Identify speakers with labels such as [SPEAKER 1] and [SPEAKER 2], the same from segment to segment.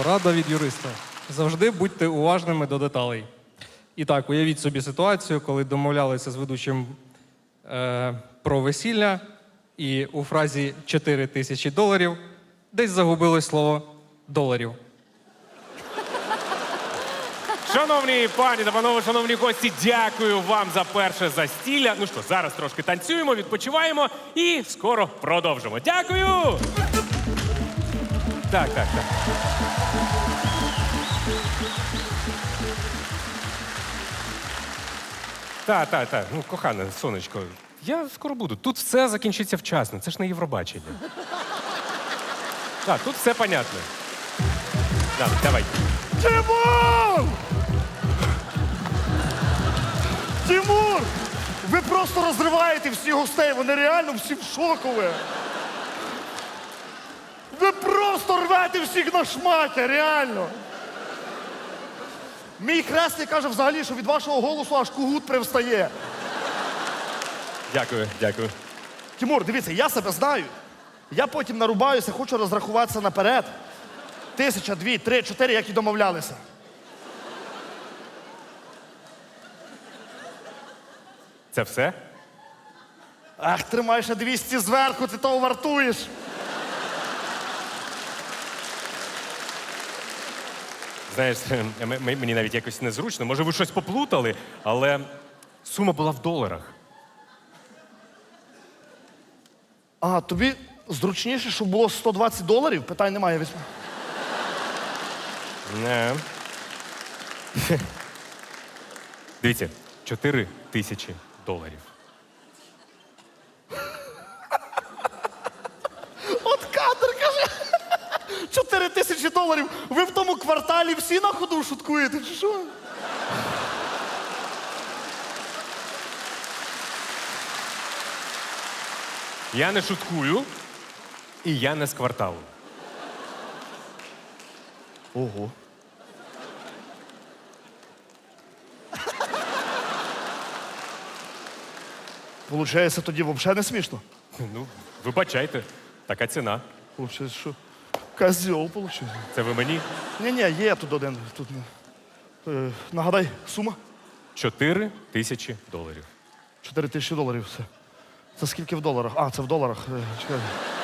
[SPEAKER 1] Порада від юриста. Завжди будьте уважними до деталей. І так, уявіть собі ситуацію, коли домовлялися з ведучим про весілля, і у фразі $4000 десь загубилось слово «доларів».
[SPEAKER 2] Шановні пані та панове, шановні гості, дякую вам за перше застілля. Ну що, зараз трошки танцюємо, відпочиваємо і скоро продовжимо. Дякую! Так. Так. Ну, кохане, сонечко, я скоро буду. Тут все закінчиться вчасно. Це ж не Євробачення. Так, тут все понятно. Давай.
[SPEAKER 3] Тимур! Тимур! Ви просто розриваєте всіх гостей, вони реально всі в шокові. Ви просто рвете всіх на шматі, реально. Мій хресний каже взагалі, що від вашого голосу аж кугут привстає.
[SPEAKER 2] Дякую.
[SPEAKER 3] Тимур, дивіться, я себе знаю. Я потім нарубаюся, хочу розрахуватися наперед. 1000, 2, 3, 4, як і домовлялися.
[SPEAKER 2] Це все?
[SPEAKER 3] Ах, тримай ще 200 зверху, ти того вартуєш.
[SPEAKER 2] Знаєш, мені навіть якось незручно. Може, ви щось поплутали, але сума була в доларах.
[SPEAKER 3] А, тобі зручніше, щоб було $120? Питань немає, візьму.
[SPEAKER 2] Не. Дивіться, $4000.
[SPEAKER 3] От кадр, каже. $4000. Ви в тому кварталі всі на ходу шуткуєте, чи що?
[SPEAKER 2] Я не шуткую, і я не з кварталу.
[SPEAKER 3] Ого. Получається, тоді взагалі не смішно.
[SPEAKER 2] Ну, вибачайте, така ціна.
[SPEAKER 3] Получається, що козьол, виходить.
[SPEAKER 2] Це ви мені?
[SPEAKER 3] Ні, є тут один. Тут, нагадай, сума?
[SPEAKER 2] $4000.
[SPEAKER 3] $4000 все. Це скільки в доларах? А, це в доларах. Чекай.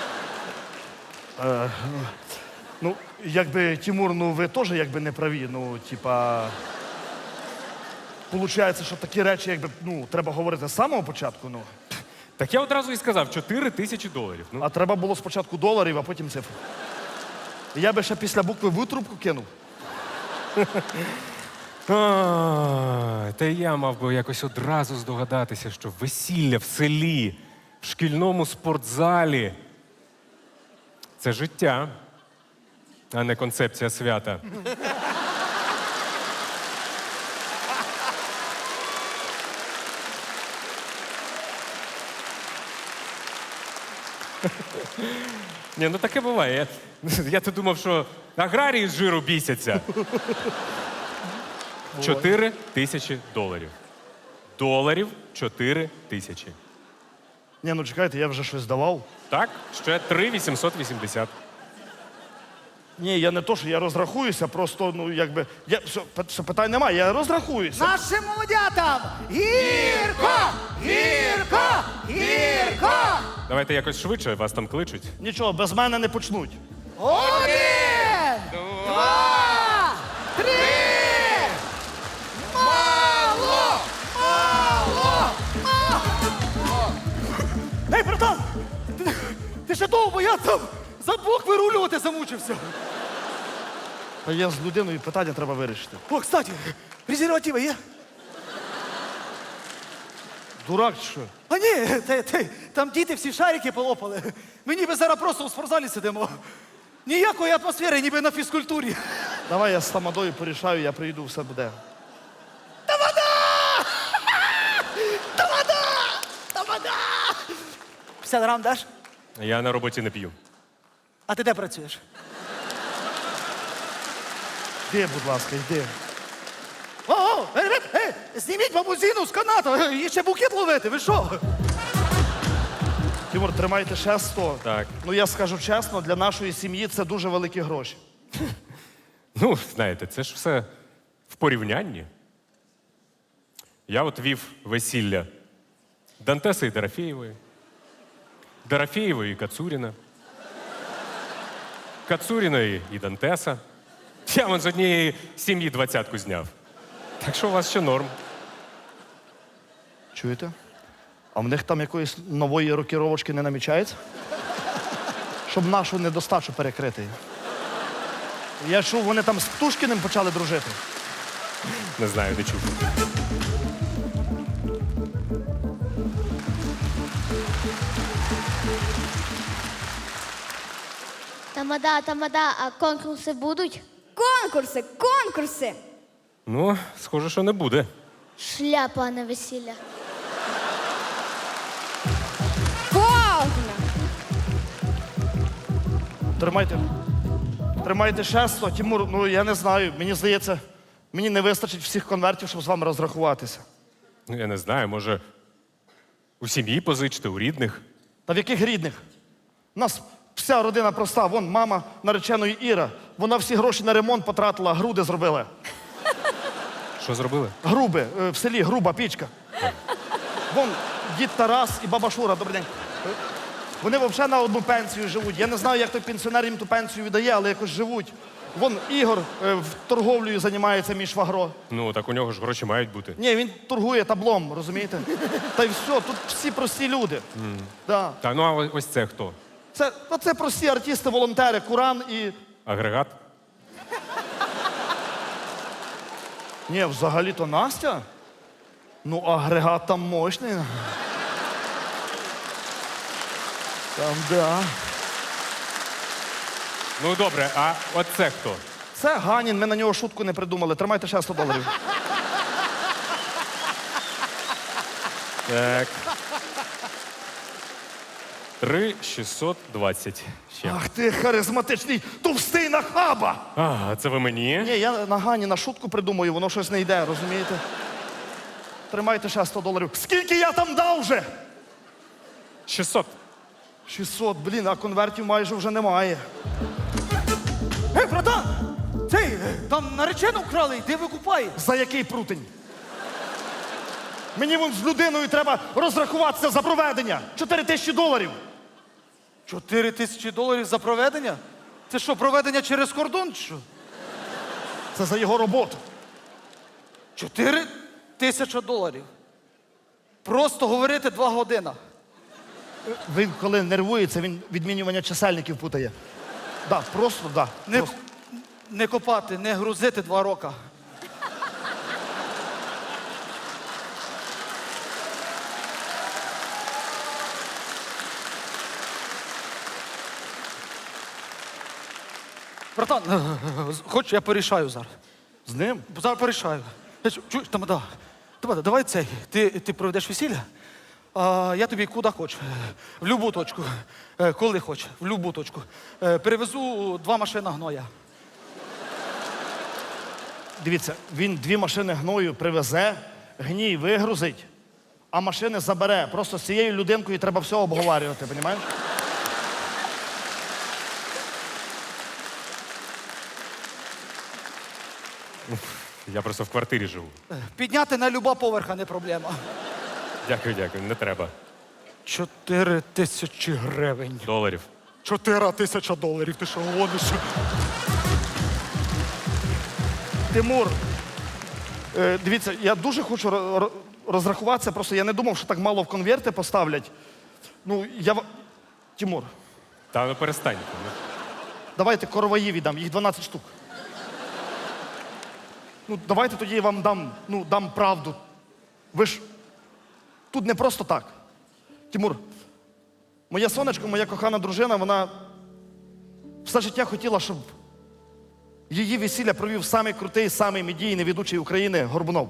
[SPEAKER 3] Ну, якби, Тимур, ну ви теж якби не праві. Ну, типа. Получається, що такі речі, якби, ну, треба говорити з самого початку, ну.
[SPEAKER 2] Так я одразу і сказав, $4000. Ну,
[SPEAKER 3] А треба було спочатку доларів, а потім цифр. Я би ще після букви В трубку кинув.
[SPEAKER 2] Та я мав би якось одразу здогадатися, що весілля в селі, в шкільному спортзалі – це життя, а не концепція свята. Ні, ну таке буває. Я-то думав, що аграрії з жиру бісяться. $4000. Доларів 4000.
[SPEAKER 3] Ні, ну чекайте, я вже щось давав.
[SPEAKER 2] Так, ще 3880.
[SPEAKER 3] Ні, я не то, що я розрахуюся, просто, ну, якби. Все, питань немає, я розрахуюся.
[SPEAKER 4] Нашим молодятам гірко, гірко, гірко.
[SPEAKER 2] Давайте якось швидше, вас там кличуть.
[SPEAKER 3] Нічого, без мене не почнуть.
[SPEAKER 4] 1, 2, 3. Мало, мало, мало.
[SPEAKER 3] Ей, братан! Ти ще довго, я там за двох вирулювати замучився. А я з людиною питання треба вирішити.
[SPEAKER 4] О, кстати, презервативи є?
[SPEAKER 3] Дурак чи що?
[SPEAKER 4] А ні, там діти всі шарики полопали. Ми ніби зараз просто у спортзалі сидимо. Ніякої атмосфери, ніби на фізкультурі.
[SPEAKER 3] Давай я з тамадою порішаю, я приїду, все буде.
[SPEAKER 4] Тамада! Тамада! Тамада! 50 грам даш?
[SPEAKER 2] Я на роботі не п'ю.
[SPEAKER 4] А ти де працюєш?
[SPEAKER 3] Йди, будь ласка, йди.
[SPEAKER 4] О, зніміть бабузину з каната, і ще букет ловити, ви що?
[SPEAKER 3] Тимур, тримайте ще 100.
[SPEAKER 2] Так.
[SPEAKER 3] Ну я скажу чесно, для нашої сім'ї це дуже великі гроші.
[SPEAKER 2] Ну, знаєте, це ж все в порівнянні. Я от вів весілля Дантеса і Дорофєєвої, Дорофєєвої і Кацуріна, Кацуріної і Дантеса. Я вон з однієї сім'ї 20-ку зняв. Так що у вас ще норм.
[SPEAKER 3] Чуєте? А в них там якоїсь нової рокіровочки не намічається? Щоб нашу недостачу перекрити. Я чув, вони там з Птушкіним почали дружити.
[SPEAKER 2] Не знаю, не чув.
[SPEAKER 5] Тамада, а конкурси будуть?
[SPEAKER 6] Конкурси!
[SPEAKER 2] Ну, схоже, що не буде.
[SPEAKER 5] Шляпа, а не весілля.
[SPEAKER 6] Повна!
[SPEAKER 3] Тримайте шесто. Тимур, ну я не знаю, мені здається, мені не вистачить всіх конвертів, щоб з вами розрахуватися.
[SPEAKER 2] Ну, я не знаю, може, у сім'ї позичити, у рідних.
[SPEAKER 3] Та в яких рідних? У нас вся родина проста. Вон мама нареченої Іра. Вона всі гроші на ремонт потратила, груди зробила.
[SPEAKER 2] Що зробили?
[SPEAKER 3] Груби, в селі груба пічка. Вон дід Тарас і баба Шура, добрий день. Вони взагалі на одну пенсію живуть. Я не знаю, як той пенсіонер їм ту пенсію віддає, але якось живуть. Вон Ігор в торговлею займається, мій швагро.
[SPEAKER 2] Ну, так у нього ж гроші мають бути.
[SPEAKER 3] Ні, він торгує таблом, розумієте? Та й все, тут всі прості люди. Да.
[SPEAKER 2] Так, ну а ось це хто?
[SPEAKER 3] Це прості артисти, волонтери, Куран і.
[SPEAKER 2] Агрегат?
[SPEAKER 3] Ні, взагалі-то Настя. Ну, агрегат там мощний. Там, да.
[SPEAKER 2] Ну, добре, а от це хто?
[SPEAKER 3] Це Ганін, ми на нього шутку не придумали. Тримайте ще $100.
[SPEAKER 2] Так. 3,620 ще.
[SPEAKER 3] Ах ти харизматичний товстий нахаба!
[SPEAKER 2] А, це ви мені?
[SPEAKER 3] Ні, я на Ганіна шутку придумаю, воно щось не йде, розумієте? Тримайте ще $100. Скільки я там дав вже?
[SPEAKER 2] 600.
[SPEAKER 3] 600, блін, а конвертів майже вже немає.
[SPEAKER 4] Гей, братан! Цей, там наречену вкрали, йди викупай.
[SPEAKER 3] За який прутень? Мені вон з людиною треба розрахуватися за проведення. $4000.
[SPEAKER 4] $4000 за проведення? Це що, проведення через кордон чи що?
[SPEAKER 3] Це за його роботу.
[SPEAKER 4] $4000. Просто говорити 2 години.
[SPEAKER 3] Він коли нервується, він відмінювання чисельників путає. Да, просто да.
[SPEAKER 4] Не,
[SPEAKER 3] Просто.
[SPEAKER 4] не копати, не грузити 2 роки. Братан, хоч я порішаю зараз.
[SPEAKER 3] З ним?
[SPEAKER 4] Зараз порішаю. Чуєш, Тамада, давай цей. Ти проведеш весілля, а я тобі куди хоч. В любу точку. Коли хоч, в любу точку. Перевезу 2 машини гноя.
[SPEAKER 3] Дивіться, він 2 машини гною привезе, гній вигрузить, а машини забере. Просто з цією людинкою треба все обговорювати, розумієш?
[SPEAKER 2] Я просто в квартирі живу.
[SPEAKER 4] Підняти на люба поверха не проблема.
[SPEAKER 2] Дякую, не треба.
[SPEAKER 4] 4000 гривень.
[SPEAKER 2] Доларів.
[SPEAKER 4] $4000. Ти що гониш?
[SPEAKER 3] Тимур, дивіться, я дуже хочу розрахуватися, просто я не думав, що так мало в конверти поставлять. Ну, Тимур,
[SPEAKER 2] Та ну перестань.
[SPEAKER 3] давайте короваї віддам, їх 12 штук. Ну, давайте тоді я вам дам правду. Ви ж тут не просто так. Тимур, моя сонечко, моя кохана дружина, вона все життя хотіла, щоб її весілля провів самий крутий, самий медійний ведучий України Горбунов.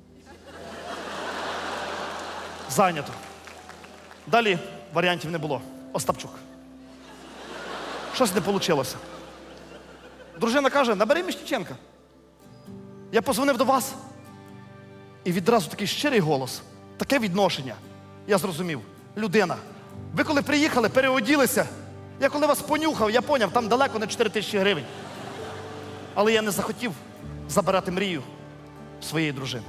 [SPEAKER 3] Зайнято. Далі варіантів не було. Остапчук. Щось не вийшло. Дружина каже, набери Міщиченка. Я позвонив до вас, і відразу такий щирий голос, таке відношення. Я зрозумів. Людина. Ви коли приїхали, переоділися. Я коли вас понюхав, я поняв, там далеко не 4000 гривень. Але я не захотів забирати мрію своєї дружини.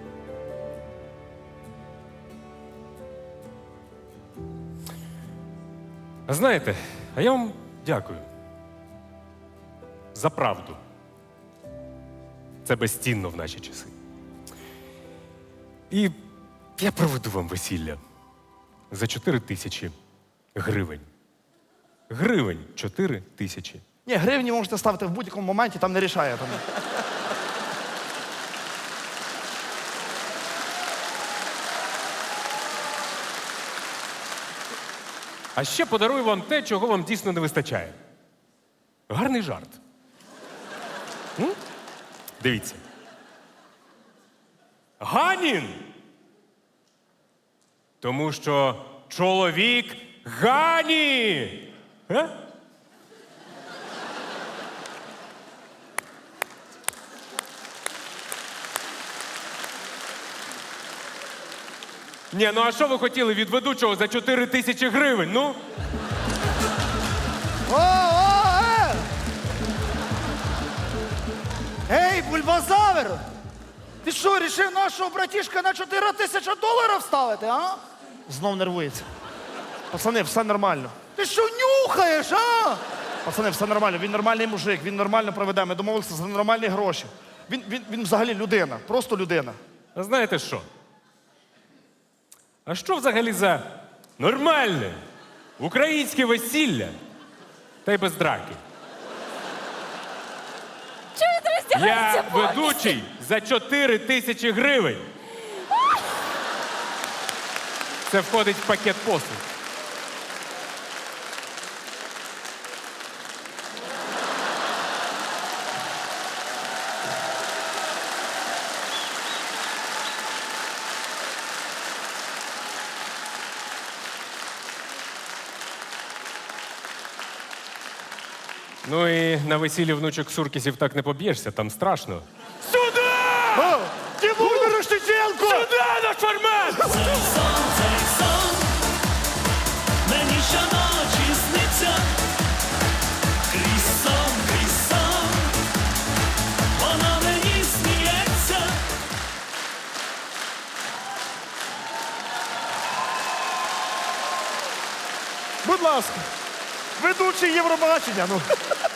[SPEAKER 2] А знаєте, а я вам дякую. За правду. Це безцінно в наші часи. І я проведу вам весілля за 4 тисячі гривень. Гривень 4 тисячі.
[SPEAKER 3] Ні, гривні можете ставити в будь-якому моменті, там не рішає. Там.
[SPEAKER 2] А ще подарую вам те, чого вам дійсно не вистачає. Гарний жарт. М? Дивіться. Ганін! Тому що чоловік Гані! А? Ні, ну а що ви хотіли від ведучого за 4 тисячі гривень? Ну?
[SPEAKER 4] Ей, бульбазавер! Ти що, рішив нашого братішка на 4 тисячі доларів ставити, а?
[SPEAKER 3] Знов нервується. Пацани, все нормально.
[SPEAKER 4] Ти що нюхаєш, а?
[SPEAKER 3] Пацани, все нормально. Він нормальний мужик, він нормально проведе. Ми домовилися за нормальні гроші. Він взагалі людина, просто людина.
[SPEAKER 2] А знаєте що? А що взагалі за нормальне українське весілля та й без драки?
[SPEAKER 6] Чого він роздягається
[SPEAKER 2] Я
[SPEAKER 6] повністю?
[SPEAKER 2] ведучий за 4 тисячі гривень. Це входить в пакет послуг. Ну і на весіллі внучок Суркісів так не поб'єшся, там страшно. Сюди!
[SPEAKER 3] Тимур Мирошниченко!
[SPEAKER 2] Сюди на формат!
[SPEAKER 7] Цей сон мені щоночі сниться, крізь сон, вона мені сміється.
[SPEAKER 3] Будь ласка, ведучий Євробачення. Ну.